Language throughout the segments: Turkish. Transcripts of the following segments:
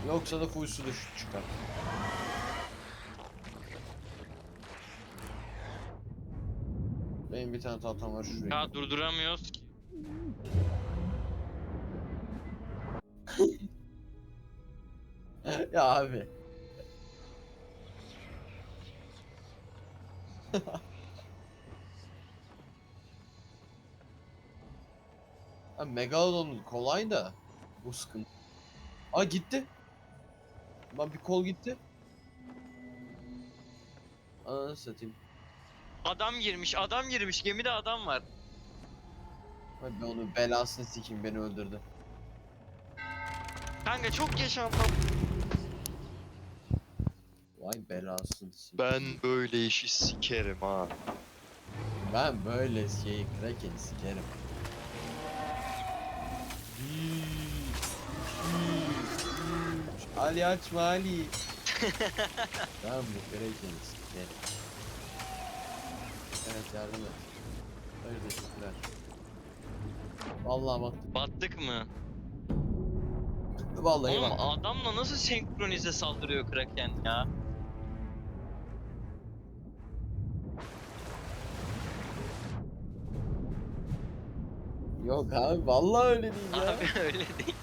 Yoksa da full su düşük çıkar. Benim bir tane tahtam var şuraya. Ya durduramıyoruz ki. Ya abi. Ha, Megalodon kolay da bu sıkıntı. Aa gitti. Lan bir kol gitti. Ananı satayım. Adam girmiş. Gemide adam var. Ay ben onun belasını sikeyim, beni öldürdü. Kanka çok yaşandı. Vay belasını sikeyim. Ben böyle işi sikerim ha. Ben böyle şeyi Kraken'i sikerim. Bir, iki, üç. Ali açma Ali. Ben bu Kraken'i sikerim. Evet yardım et. Hayır teşekkürler. Vallahi bak. Battık mı? Vallahi Oğlum bak. adamla nasıl senkronize saldırıyor Kraken ya? Yok abi vallahi öyle değil ya. Abi öyle değil.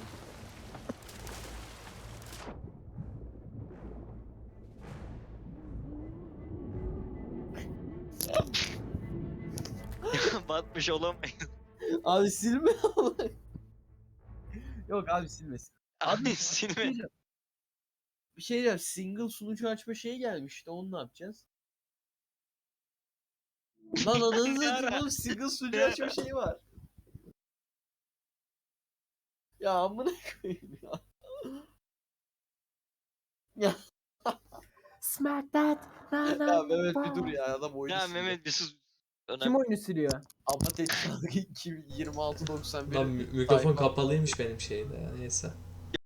Batmış olamayız. Abi silme ama. Yok abi silmesin. Abi Abi silme. bir şey diyeceğim. Single sunucu açma şeyi gelmişti. Onu ne yapacağız? Lan ananı Ne satayım ara? oğlum, single sunucu Ne açma ara? şeyi var. Ya amına koyayım ya. Ya, Smack that. Na, na, ya Mehmet bir dur ball. ya, adam oyunu Ya sildi. Mehmet bir sus. Kim Önemli. oyunu siliyor? Ama tek 26.91. Lan mikrofon kapalıymış benim şeyde ya, neyse.